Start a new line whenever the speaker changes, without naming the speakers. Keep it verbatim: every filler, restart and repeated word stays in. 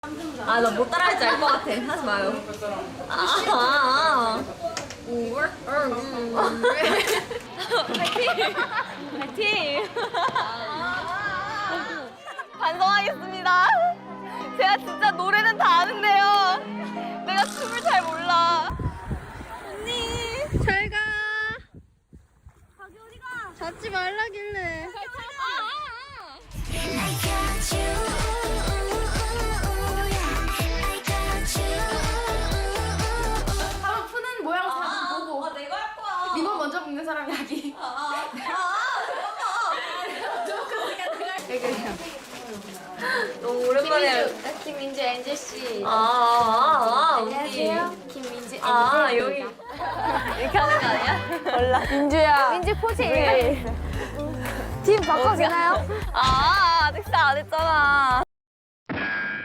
아, 나 못 따라할지 알 것 같아. 하지 마요. 아, 아, 아. 파이팅! 파이팅! 반성하겠습니다. 제가 진짜 노래는 다 아는데요. 내가 춤을 잘 몰라. 언니, 잘 가. 자기 어디가? 잡지 말라길래.
한번 푸는 모양 사진 보고.
아, 내가 할 거야.
리본 먼저 붓는 사람이 하기.
아, 아, 너무 오랜만에.
김민주 엔젤 씨.
아, 아, 아, 언니.
안녕하세요. 김민주 엔젤.
아, 여기. 이렇게 하는 거 아니야? 몰라.
민주야.
민주 포즈
우리 팀 바꿔도 되나요?
아, 아직 시작 안 했잖아.